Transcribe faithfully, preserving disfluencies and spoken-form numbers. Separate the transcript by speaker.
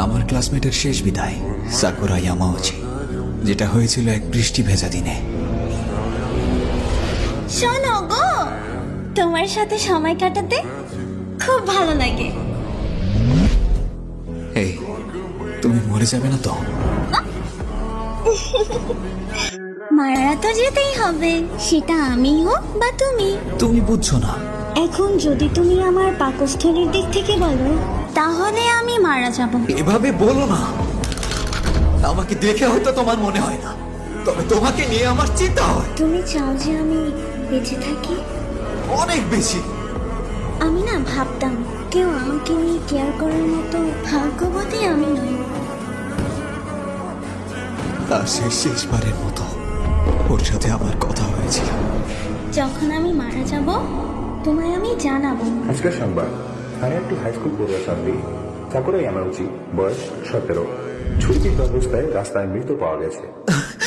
Speaker 1: আমার ক্লাসমেটের শেষ বিদায় সাকুরা ইয়ামাউচি, যেটা হয়েছিল এক বৃষ্টি ভেজা দিনে।
Speaker 2: শোনো গো, তোমার সাথে সময় কাটাতে খুব ভালো লাগে।
Speaker 1: এই, তুমি মরে যাবে না তো?
Speaker 2: মারা তো যেতেই হবে, সেটা আমি হোক বা তুমি।
Speaker 1: তুমি বুঝছো না।
Speaker 2: এখন যদি তুমি আমার পাকস্থলীর দিক থেকে বলো, তাহলে আমি মারা যাব।
Speaker 1: এভাবে বলো না। আমাকে দেখে হয়তো তোমার মনে হয় না, তবে তোমাকে নিয়ে আমার চিন্তা হয়
Speaker 2: তুমি চাও যে আমি বেঁচে থাকি?
Speaker 1: অনেক বেশি।
Speaker 2: আমি না ভাবতাম কেউ আমাকে নিয়ে কেয়ার করার মতো ভাগ্যবতী আমি নই।
Speaker 1: আর সেই শেষবারের মতো ওর সাথে আমার কথা হয়েছিল।
Speaker 2: যখন আমি মারা যাব, তোমায় আমি জানাবো।
Speaker 3: আজকের সংবাদ, স্থানীয় একটি হাই স্কুল পড়ুয়া ছাত্রী সাকুরা ইয়ামাউচি, বয়স সতেরো, ছুরিবিদ্ধ অবস্থায় রাস্তায় মৃত পাওয়া গেছে।